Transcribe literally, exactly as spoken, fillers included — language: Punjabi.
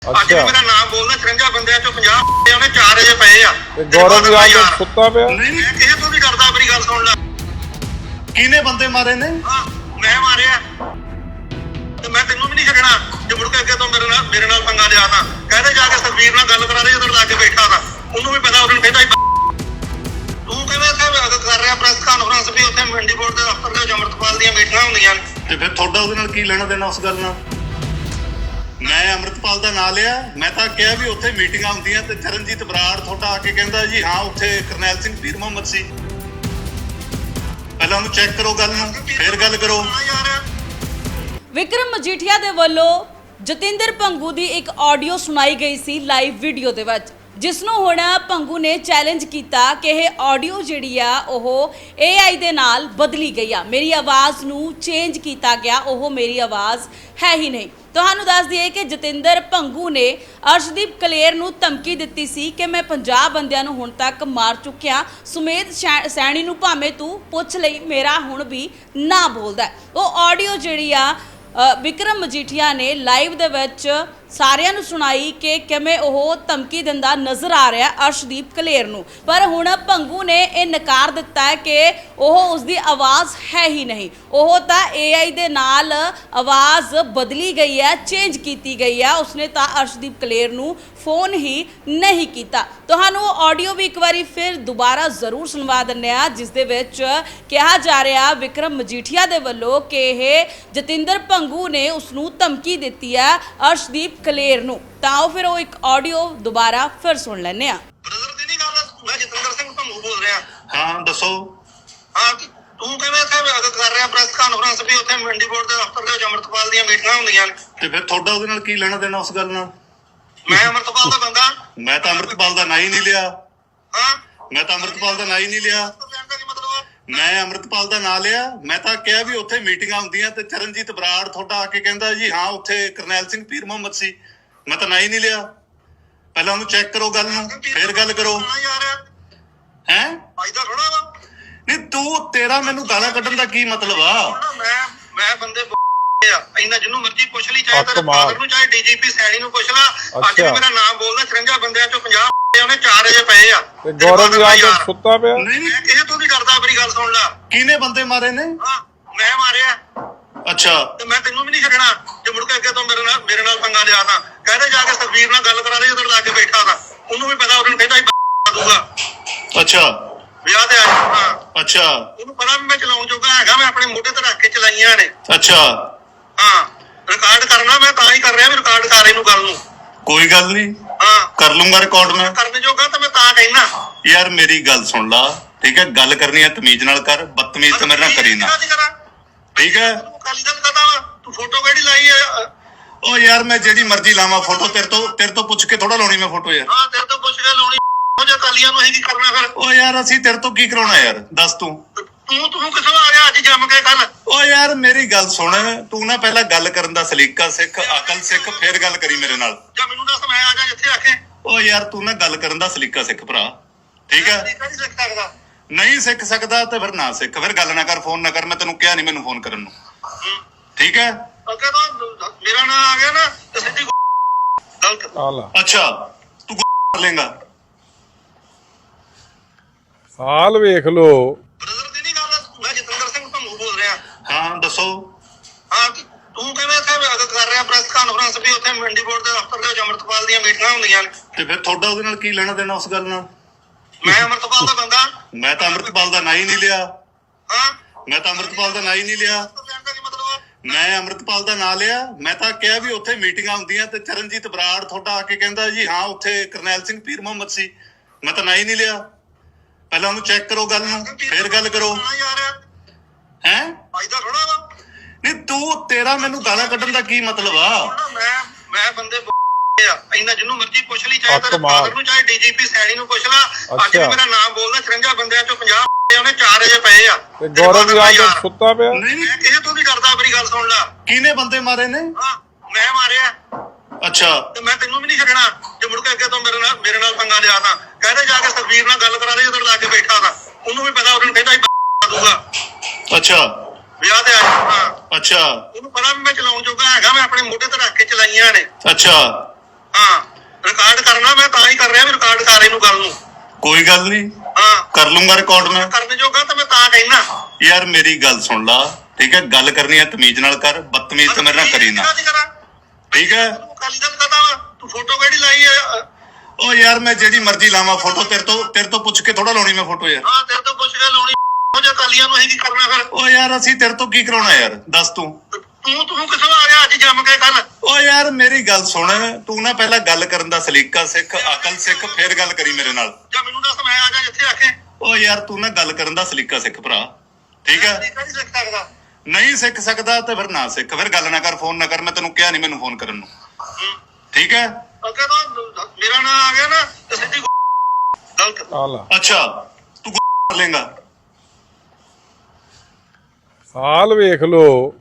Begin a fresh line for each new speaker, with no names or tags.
ਅੱਜ ਵੀ ਮੇਰਾ ਨਾਮ ਬੋਲਦਾ ਚਰੰਜਾ ਬੰਦਿਆਂ ਚੋਂ ਪੰਜਾਹ ਉਹਨੇ ਚਾਰ ਅਜੇ ਪਏ ਆ
ਤੇ ਗੌਰਵ ਯਾਰ ਸੁੱਤਾ ਪਿਆ।
ਨਹੀਂ ਨਹੀਂ ਕਿਸੇ ਤੋਂ ਨਹੀਂ ਡਰਦਾ। ਮੇਰੀ ਗੱਲ ਸੁਣ ਲੈ।
ਕਿਹਨੇ ਬੰਦੇ ਮਾਰੇ ਨੇ?
ਹਾਂ ਮੈਂ ਮਾਰਿਆ ਤੇ ਮੈਂ ਤੈਨੂੰ ਵੀ ਨਹੀਂ ਛੱਡਣਾ ਜੇ ਮੁੜ ਕੇ ਅੱਗੇ ਤੋਂ ਮੇਰੇ ਨਾਲ ਮੇਰੇ ਨਾਲ ਪੰਗਾ ਲਿਆ ਤਾਂ ਕਹਿੰਦੇ ਜਾ ਕੇ ਸਰਵੀਰ ਨਾਲ ਗੱਲ ਕਰਾ ਦੇ ਜਦੋਂ ਲਾ ਕੇ ਬੈਠਾ ਤਾਂ ਉਹਨੂੰ ਵੀ ਪਤਾ ਉਹਨੂੰ ਕਹਿੰਦਾ ਤੂੰ ਕਿਵੇਂ ਇੱਥੇ ਕਰ ਰਿਹਾ ਪ੍ਰੈਸ ਕਾਨਫਰੰਸ ਵੀ ਉੱਥੇ ਮੰਡੀ ਬੋਰਡ ਦੇ ਦਫ਼ਤਰ ਦੇ ਅਮਰਤਪਾਲ ਦੀਆਂ ਮੀਟਿੰਗਾਂ ਹੁੰਦੀਆਂ ਨੇ
ਤੇ ਫਿਰ ਤੁਹਾਡਾ ਉਹਦੇ ਨਾਲ ਕੀ ਲੈਣਾ ਦੇਣਾ ਉਸ ਗੱਲ ਨਾਲ? ਮੈਂ ਅਮਰਤਪਾਲ ਦਾ ਨਾਂ ਲਿਆ। ਮੈਂ ਤਾਂ ਕਿਹਾ ਵੀ ਉੱਥੇ ਮੀਟਿੰਗਾਂ ਹੁੰਦੀਆਂ ਤੇ ਚਰਨਜੀਤ ਬਰਾੜ ਤੁਹਾਡਾ ਆ ਕੇ ਕਹਿੰਦਾ ਜੀ ਹਾਂ ਉੱਥੇ ਕਰਨੈਲ ਸਿੰਘ ਪੀਰ ਮੁਹੰਮਦ ਸੀ। ਪਹਿਲਾਂ ਉਹਨੂੰ ਚੈੱਕ ਕਰੋ ਗੱਲ ਨੂੰ, ਫਿਰ ਗੱਲ ਕਰੋ।
ਵਿਕਰਮ ਮਜੀਠੀਆ ਦੇ ਵੱਲੋਂ ਜਤਿੰਦਰ ਭੰਗੂ ਦੀ ਇੱਕ ਆਡੀਓ ਸੁਣਾਈ ਗਈ ਸੀ ਲਾਈਵ ਵੀਡੀਓ ਦੇ ਵਿੱਚ, ਜਿਸ ਨੂੰ ਹੁਣ ਭੰਗੂ ਨੇ ਚੈਲੰਜ ਕੀਤਾ ਕਿ ਇਹ ਆਡੀਓ ਜਿਹੜੀ ਆ ਉਹ ਏ ਆਈ ਦੇ ਨਾਲ ਬਦਲੀ ਗਈ ਆ, ਮੇਰੀ ਆਵਾਜ਼ ਨੂੰ ਚੇਂਜ ਕੀਤਾ ਗਿਆ, ਉਹ ਮੇਰੀ ਆਵਾਜ਼ ਹੈ ਹੀ ਨਹੀਂ। ਤੁਹਾਨੂੰ ਦੱਸ ਦਈਏ ਕਿ ਜਤਿੰਦਰ ਭੰਗੂ ਨੇ ਅਰਸ਼ਦੀਪ ਕਲੇਰ ਨੂੰ ਧਮਕੀ ਦਿੱਤੀ ਸੀ ਕਿ ਮੈਂ ਪੰਜਾਹ ਬੰਦਿਆਂ ਨੂੰ ਹੁਣ ਤੱਕ ਮਾਰ ਚੁੱਕਿਆ, ਸੁਮੇਧ ਸੈਣੀ ਨੂੰ ਭਾਵੇਂ ਤੂੰ ਪੁੱਛ ਲਈ, ਮੇਰਾ ਹੁਣ ਵੀ ਨਾ ਬੋਲਦਾ। ਉਹ ਆਡੀਓ ਜਿਹੜੀ ਆ ਵਿਕਰਮ ਮਜੀਠੀਆ ਨੇ ਲਾਈਵ ਦੇ ਵਿੱਚ ਸਾਰਿਆਂ ਨੂੰ ਸੁਣਾਈ ਕਿ ਕਿਵੇਂ ਉਹ ਧਮਕੀ ਦਿੰਦਾ ਨਜ਼ਰ ਆ ਰਿਹਾ ਅਰਸ਼ਦੀਪ ਕਲੇਰ ਨੂੰ। ਪਰ ਹੁਣ ਭੰਗੂ ਨੇ ਇਹ ਨਕਾਰ ਦਿੱਤਾ ਹੈ ਕਿ ਉਹ ਉਸਦੀ ਆਵਾਜ਼ ਹੈ ਹੀ ਨਹੀਂ, ਉਹ ਤਾਂ ਏ ਆਈ ਦੇ ਨਾਲ ਆਵਾਜ਼ ਬਦਲੀ ਗਈ ਹੈ, ਚੇਂਜ ਕੀਤੀ ਗਈ ਹੈ। ਉਸਨੇ ਤਾਂ ਅਰਸ਼ਦੀਪ ਕਲੇਰ ਨੂੰ ਫੋਨ ਹੀ ਨਹੀਂ ਕੀਤਾ। ਤੁਹਾਨੂੰ ਆਡੀਓ ਵੀ ਇੱਕ ਵਾਰੀ ਫਿਰ ਦੁਬਾਰਾ ਜ਼ਰੂਰ ਸੁਣਵਾ ਦਿੰਦੇ ਆ, ਜਿਸ ਦੇ ਵਿੱਚ ਕਿਹਾ ਜਾ ਰਿਹਾ ਵਿਕਰਮ ਮਜੀਠੀਆ ਦੇ ਵੱਲੋਂ ਕਿ ਇਹ ਜਤਿੰਦਰ ਭੰਗੂ ਨੇ ਉਸਨੂੰ ਧਮਕੀ ਦਿੱਤੀ ਹੈ ਅਰਸ਼ਦੀਪ ਕਲੇਰ ਨੂੰ। ਤਾਂ ਉਹ ਫਿਰ ਉਹ ਇੱਕ ਆਡੀਓ ਦੁਬਾਰਾ ਫਿਰ ਸੁਣ ਲੈਂਦੇ ਆ।
ਬ੍ਰਦਰ ਦੀ ਨਹੀਂ ਗੱਲ, ਮੈਂ ਜਤਿੰਦਰ ਸਿੰਘ ਭੰਗੂ ਬੋਲ ਰਿਹਾ।
ਹਾਂ ਦੱਸੋ।
ਹਾਂ ਤੂੰ ਕਿਵੇਂ ਇੱਥੇ ਕਰ ਰਿਹਾ ਪ੍ਰੈਸ ਕਾਨਫਰੰਸ ਵੀ ਉੱਥੇ ਮੰਡੀ ਬੋਰਡ ਦੇ ਦਫ਼ਤਰ ਦੇ ਅਮਰਤਪਾਲ ਦੀਆਂ ਮੀਟਿੰਗਾਂ ਹੁੰਦੀਆਂ ਨੇ
ਤੇ ਫਿਰ ਤੁਹਾਡਾ ਉਹਦੇ ਨਾਲ ਕੀ ਲੈਣਾ ਦੇਣਾ ਉਸ ਗੱਲ ਨਾਲ?
ਮੈਂ ਅਮਰਤਪਾਲ ਦਾ ਬੰਦਾ।
ਮੈਂ ਤਾਂ ਅਮਰਤਪਾਲ ਦਾ ਨਾਂ ਹੀ ਨਹੀਂ ਲਿਆ।
ਹਾਂ
ਮੈਂ ਤਾਂ ਅਮਰਤਪਾਲ ਦਾ ਨਾਂ ਹੀ ਨਹੀਂ ਲਿਆ। ਮੈਂ ਅਮਰਤਪਾਲ ਦਾ ਨਾਂ ਲਿਆ। ਮੈਂ ਤਾਂ ਕਿਹਾ ਵੀ ਉੱਥੇ ਮੀਟਿੰਗਾਂ ਹੁੰਦੀਆਂ ਤੇ ਚਰਨਜੀਤ ਬਰਾੜ ਤੁਹਾਡਾ ਆ ਕੇ ਕਹਿੰਦਾ ਜੀ ਹਾਂ ਉੱਥੇ ਕਰਨੈਲ ਸਿੰਘ ਪੀਰ ਮੁਹੰਮਦ ਸੀ। ਮੈਂ ਤਾਂ ਨਾਂ ਹੀ ਨਹੀਂ ਲਿਆ। ਪਹਿਲਾਂ ਉਹਨੂੰ ਚੈੱਕ ਕਰੋ ਗੱਲ ਨੂੰ, ਫਿਰ ਗੱਲ ਕਰੋ। ਹੈਂ
ਫਾਇਦਾ ਥੋੜਾ ਵਾ।
ਨਹੀਂ ਤੂੰ ਤੇਰਾ ਮੈਨੂੰ ਗਾਲਾਂ ਕੱਢਣ ਦਾ ਕੀ ਮਤਲਬ ਆ?
ਮੈਂ ਮੈਂ ਬੰਦੇ ਆ ਇੰਨਾ ਜਿਹਨੂੰ ਮਰਜ਼ੀ ਪੁੱਛ ਲਈ, ਚਾਹੇ ਤੇਰੇ ਫਾਦਰ ਨੂੰ ਚਾਹੇ ਡੀਜੀਪੀ ਸੈਣੀ ਨੂੰ ਪੁੱਛ ਲਾ। ਅੱਜ ਵੀ ਮੇਰਾ ਨਾਮ ਬੋਲਦਾ ਚਰੰਜਾ ਬੰਦਿਆਂ ਚੋਂ ਪੰਜਾਹ ਉਹਨੇ ਚਾਰ ਅਜੇ ਪਏ ਆ।
ਤੇ ਗੌਰਵ ਯਾਰ ਸੁੱਤਾ ਪਿਆ।
ਨਹੀਂ ਨਹੀਂ
ਮੈਂ ਕਿਸੇ ਤੋਂ ਨਹੀਂ ਡਰਦਾ। ਮੇਰੀ ਗੱਲ ਸੁਣ ਲੈ।
ਕਿਹਨੇ ਬੰਦੇ ਮਾਰੇ ਨੇ?
ਹਾਂ ਮੈਂ ਮਾਰਿਆ
ਅੱਛਾ
ਤੇ ਮੈਂ ਤੈਨੂੰ ਵੀ ਨਹੀਂ ਛੱਡਣਾ ਜੇ ਮੁੜ ਕੇ ਅੱਗੇ ਤੋਂ ਮੇਰੇ ਨਾਲ ਮੇਰੇ ਨਾਲ ਪੰਗਾ ਲਿਆ ਤਾਂ ਕਹਿੰਦੇ ਜਾ ਕੇ ਸਰਵੀਰ ਨਾਲ ਗੱਲ ਕਰਾ ਦੇ ਜਦੋਂ ਲਾ ਕੇ ਬੈਠਾ ਤਾਂ ਉਹਨੂੰ ਵੀ ਪਤਾ ਉਹਨੂੰ ਕਹਿੰਦਾ ਦੂਗਾ।
ਅੱਛਾ
ਵਿਆਹ ਤੇ ਆਇਆ। ਹਾਂ
ਅੱਛਾ
ਉਹਨੂੰ ਪਤਾ ਵੀ ਮੈਂ ਚਲਾਉਣ ਜੋਗਾ ਹੈਗਾ। ਮੈਂ ਆਪਣੇ ਮੋਢੇ ਤੇ ਰੱਖ ਕੇ ਚਲਾਈਆਂ ਨੇ।
ਅੱਛਾ
ਹਾਂ ਰਿਕਾਰਡ ਕਰਨਾ ਮੈਂ ਤਾਂ ਹੀ ਕਰ ਰਿਹਾ ਵੀ ਰਿਕਾਰਡ ਕਰ ਇਹਨੂੰ ਗੱਲ ਨੂੰ।
ਕੋਈ ਗੱਲ ਨਹੀਂ,
ਹਾਂ
ਕਰ ਲੂੰਗਾ ਰਿਕਾਰਡ ਮੈਂ।
ਕਰਨ ਜੋਗਾ ਤਾਂ ਮੈਂ ਤਾਂ ਕਹਿਣਾ।
ਯਾਰ ਮੇਰੀ ਗੱਲ ਸੁਣ ਲਾ, ਠੀਕ ਹੈ? ਗੱਲ ਕਰਨੀ ਹੈ ਤਮੀਜ਼ ਨਾਲ ਕਰ, ਬਦਤਮੀਜ਼ ਤਾਂ ਮੇਰੇ ਨਾਲ ਕਰੀ ਨਾ, ਠੀਕ ਹੈ?
ਕਾਲੀ ਦਲ ਕਹਦਾ ਵਾ ਤੂੰ ਫੋਟੋ ਕਿਹੜੀ ਲਾਈ ਹੈ?
ਓ ਯਾਰ ਮੈਂ ਜਿਹੜੀ ਮਰਜ਼ੀ ਲਾਵਾਂ ਫੋਟੋ, ਤੇਰੇ ਤੋਂ ਤੇਰੇ ਤੋਂ ਪੁੱਛ ਕੇ ਥੋੜਾ ਲਾਉਣੀ ਮੈਂ ਫੋਟੋ ਯਾਰ।
ਹਾਂ ਤੇਰੇ ਤੋਂ ਪੁੱਛ ਕੇ ਲਾਉਣੀ। ਉਹ ਜੇ ਕਾਲੀਆਂ ਨੂੰ ਅਸੀਂ ਕੀ ਕਰਨਾ ਫਿਰ?
ਓ ਯਾਰ ਅਸੀਂ ਤੇਰੇ ਤੋਂ ਕੀ ਕਰਾਉਣਾ ਯਾਰ, ਦੱਸ ਤੂੰ।
ਤੂੰ ਤੂੰ ਕਿੱਥੋਂ ਆ ਗਿਆ ਅੱਜ ਜੰਮ ਕੇ ਕੱਲ?
ਓ ਯਾਰ ਮੇਰੀ ਗੱਲ ਸੁਣ, ਤੂੰ ਨਾ ਪਹਿਲਾਂ ਗੱਲ ਕਰਨ ਦਾ ਸਲੀਕਾ ਸਿੱਖ, ਅਕਲ ਸਿੱਖ, ਫਿਰ ਗੱਲ ਕਰੀ ਮੇਰੇ ਨਾਲ।
ਜਾਂ ਮੈਨੂੰ ਦੱਸ ਮੈਂ ਆ ਜਾ ਜਿੱਥੇ ਆਖੇ।
ਓ ਯਾਰ ਤੂੰ ਨਾ ਗੱਲ ਕਰਨ ਦਾ ਸਲੀਕਾ ਸਿੱਖ ਭਰਾ, ਠੀਕ ਹੈ?
ਨਹੀਂ ਸਿੱਖ ਸਕਦਾ।
ਨਹੀਂ ਸਿੱਖ ਸਕਦਾ ਤੇ ਫਿਰ ਨਾ ਸਿੱਖ, ਫਿਰ ਗੱਲ ਨਾ ਕਰ, ਫੋਨ ਨਾ ਕਰ। ਮੈਂ ਤੈਨੂੰ ਕਿਹਾ ਨਹੀਂ ਮੈਨੂੰ ਫੋਨ ਕਰਨ ਨੂੰ, ਠੀਕ ਹੈ?
ਅੱਗੇ ਤੋਂ ਮੇਰਾ ਨਾਂ ਆ ਗਿਆ ਨਾ ਤੇ ਸਿੱਧੀ ਗਲਤ।
ਹਾਲਾ
ਅੱਛਾ ਤੂੰ ਕਰ ਲੇਗਾ।
ਹਾਲ ਵੇਖ ਲੋ।
ਬ੍ਰਦਰ ਦੀ ਨਹੀਂ ਗੱਲ, ਮੈਂ ਜਤਿੰਦਰ ਸਿੰਘ ਭੰਗੂ ਬੋਲ ਰਿਹਾ।
ਹਾਂ ਦੱਸੋ।
ਹਾਂ ਤੂੰ ਕਿਵੇਂ ਇੱਥੇ ਕਰ ਰਿਹਾ ਪ੍ਰੈਸ ਕਾਨਫਰੰਸ ਵੀ ਉੱਥੇ ਮੰਡੀ ਬੋਰਡ ਦੇ ਦਫ਼ਤਰ ਦੇ ਅਮਰਤਪਾਲ ਦੀਆਂ ਮੀਟਿੰਗਾਂ ਹੁੰਦੀਆਂ ਨੇ
ਤੇ ਫਿਰ ਤੁਹਾਡਾ ਉਹਦੇ ਨਾਲ ਕੀ ਲੈਣਾ ਦੇਣਾ ਉਸ ਗੱਲ ਨਾਲ?
ਮੈਂ ਅਮਰਤਪਾਲ ਦਾ ਬੰਦਾ।
ਮੈਂ ਤਾਂ ਅਮਰਤਪਾਲ ਦਾ ਨਾਂ ਹੀ ਨਹੀਂ ਲਿਆ।
ਹਾਂ
ਮੈਂ ਤਾਂ ਅਮਰਤਪਾਲ ਦਾ ਨਾਂ ਹੀ ਨਹੀਂ ਲਿਆ। ਮੈਂ ਅਮਰਤਪਾਲ ਦਾ ਨਾਂ ਲਿਆ। ਮੈਂ ਤਾਂ ਕਿਹਾ ਵੀ ਉੱਥੇ ਮੀਟਿੰਗਾਂ ਹੁੰਦੀਆਂ ਤੇ ਚਰਨਜੀਤ ਬਰਾੜ ਤੁਹਾਡਾ ਆ ਕੇ ਕਹਿੰਦਾ ਜੀ ਹਾਂ ਉੱਥੇ ਕਰਨੈਲ ਸਿੰਘ ਪੀਰ ਮੁਹੰਮਦ ਸੀ। ਮੈਂ ਤਾਂ ਨਾਂ ਹੀ ਨਹੀਂ ਲਿਆ। ਪਹਿਲਾਂ ਉਹਨੂੰ ਚੈੱਕ ਕਰੋ ਗੱਲ ਨੂੰ, ਫਿਰ ਗੱਲ ਕਰੋ। ਹੈਂ
ਫਾਇਦਾ ਥੋੜਾ ਵਾ।
ਨਹੀਂ ਤੂੰ ਤੇਰਾ ਮੈਨੂੰ ਗਾਲਾਂ ਕੱਢਣ ਦਾ ਕੀ ਮਤਲਬ ਆ?
ਮੈਂ ਮੈਂ ਬੰਦੇ ਆ ਇੰਨਾ ਜਿਹਨੂੰ ਮਰਜ਼ੀ ਪੁੱਛ ਲਈ, ਚਾਹੇ ਤੇਰੇ ਫਾਦਰ ਨੂੰ ਚਾਹੇ ਡੀਜੀਪੀ ਸੈਣੀ ਨੂੰ ਪੁੱਛ ਲਾ। ਅੱਜ ਵੀ ਮੇਰਾ ਨਾਮ ਬੋਲਦਾ ਚਰੰਜਾ ਬੰਦਿਆਂ ਚੋਂ ਪੰਜਾਹ ਉਹਨੇ ਚਾਰ ਅਜੇ ਪਏ ਆ।
ਤੇ ਗੌਰਵ ਯਾਰ ਸੁੱਤਾ ਪਿਆ।
ਨਹੀਂ ਨਹੀਂ
ਮੈਂ ਕਿਸੇ ਤੋਂ ਨਹੀਂ ਡਰਦਾ। ਮੇਰੀ ਗੱਲ ਸੁਣ ਲੈ।
ਕਿਹਨੇ ਬੰਦੇ ਮਾਰੇ ਨੇ?
ਹਾਂ ਮੈਂ ਮਾਰਿਆ
ਅੱਛਾ
ਤੇ ਮੈਂ ਤੈਨੂੰ ਵੀ ਨਹੀਂ ਛੱਡਣਾ ਜੇ ਮੁੜ ਕੇ ਅੱਗੇ ਤੋਂ ਮੇਰੇ ਨਾਲ ਮੇਰੇ ਨਾਲ ਪੰਗਾ ਲਿਆ ਤਾਂ ਕਹਿੰਦੇ ਜਾ ਕੇ ਸਰਵੀਰ ਨਾਲ ਗੱਲ ਕਰਾ ਦੇ ਜਦੋਂ ਲਾ ਕੇ ਬੈਠਾ ਤਾਂ ਉਹਨੂੰ ਵੀ ਪਤਾ ਉਹਨੂੰ ਕਹਿੰਦਾ ਦੂਗਾ।
ਅੱਛਾ
ਵਿਆਹ ਤੇ ਆਇਆ। ਹਾਂ
ਅੱਛਾ
ਉਹਨੂੰ ਪਤਾ ਵੀ ਮੈਂ ਚਲਾਉਣ ਜੋਗਾ ਹੈਗਾ। ਮੈਂ ਆਪਣੇ ਮੋਢੇ ਤੇ ਰੱਖ ਕੇ ਚਲਾਈਆਂ ਨੇ।
ਅੱਛਾ
ਹਾਂ ਰਿਕਾਰਡ ਕਰਨਾ ਮੈਂ ਤਾਂ ਹੀ ਕਰ ਰਿਹਾ ਵੀ ਰਿਕਾਰਡ ਕਰ ਇਹਨੂੰ ਗੱਲ ਨੂੰ।
ਕੋਈ ਗੱਲ ਨਹੀਂ,
ਹਾਂ
ਕਰ ਲੂੰਗਾ ਰਿਕਾਰਡ ਮੈਂ।
ਕਰਨ ਜੋਗਾ ਤਾਂ ਮੈਂ ਤਾਂ ਕਹਿਣਾ
ਯਾਰ ਮੇਰੀ ਗੱਲ ਸੁਣ ਲਾ, ਠੀਕ ਹੈ? ਗੱਲ ਕਰਨੀ ਹੈ ਤਮੀਜ਼ ਨਾਲ ਕਰ, ਬਦਤਮੀਜ਼ ਤਾਂ ਮੇਰੇ ਨਾਲ ਕਰੀ ਨਾ, ਠੀਕ ਹੈ?
ਕਾਲੀ ਗੱਲ ਕਰਦਾ ਵਾ ਤੂੰ, ਫੋਟੋ ਕਿਹੜੀ ਲਾਈ ਹੈ?
ਉਹ ਯਾਰ ਮੈਂ ਜਿਹੜੀ ਮਰਜ਼ੀ ਲਾਵਾਂ ਫੋਟੋ, ਤੇਰੇ ਤੋਂ ਤੇਰੇ ਤੋਂ ਪੁੱਛ ਕੇ ਥੋੜਾ ਲਾਉਣੀ ਮੈਂ ਫੋਟੋ ਯਾਰ।
ਹਾਂ ਤੇਰੇ ਤੋਂ ਪੁੱਛ ਕੇ ਲਾਉਣੀ, ਉਹ ਜੇ ਕਾਲੀਆਂ ਨੂੰ ਅਸੀਂ ਕੀ ਕਰਨਾ ਫਿਰ?
ਉਹ ਯਾਰ ਅਸੀਂ ਤੇਰੇ ਤੋਂ ਕੀ ਕਰਾਉਣਾ ਯਾਰ, ਦੱਸ ਤੂੰ।
ਤੂੰ ਤੂੰ ਕਿਥੋਂ ਆ ਗਿਆ ਅੱਜ ਜੰਮ ਕੇ ਕੱਲ?
ਓ ਯਾਰ ਮੇਰੀ ਗੱਲ ਸੁਣ, ਤੂੰ ਨਾ ਪਹਿਲਾਂ ਗੱਲ ਕਰਨ ਦਾ ਸਲੀਕਾ ਸਿੱਖ, ਅਕਲ ਸਿੱਖ, ਫਿਰ ਗੱਲ ਕਰੀ ਮੇਰੇ ਨਾਲ।
ਜਾਂ ਮੈਨੂੰ ਦੱਸ ਮੈਂ ਆ ਜਾ ਜਿੱਥੇ ਆਖੇ।
ਓ ਯਾਰ ਤੂੰ ਨਾ ਗੱਲ ਕਰਨ ਦਾ ਸਲੀਕਾ ਸਿੱਖ ਭਰਾ, ਠੀਕ ਹੈ?
ਨਹੀਂ ਸਿੱਖ ਸਕਦਾ।
ਨਹੀਂ ਸਿੱਖ ਸਕਦਾ ਤੇ ਫਿਰ ਨਾ ਸਿੱਖ, ਫਿਰ ਗੱਲ ਨਾ ਕਰ, ਫੋਨ ਨਾ ਕਰ। ਮੈਂ ਤੈਨੂੰ ਕਿਹਾ ਨਹੀਂ ਮੈਨੂੰ ਫੋਨ ਕਰਨ ਨੂੰ, ਠੀਕ ਹੈ?
ਅੱਗੇ ਤੋਂ ਮੇਰਾ ਨਾਂ ਆ ਗਿਆ ਨਾ ਤੇ ਸਿੱਧੀ ਗਲਤ।
ਆ ਲਾ
ਅੱਛਾ ਤੂੰ ਕਰ ਲੇਗਾ।
ਹਾਲ ਵੇਖ ਲੋ।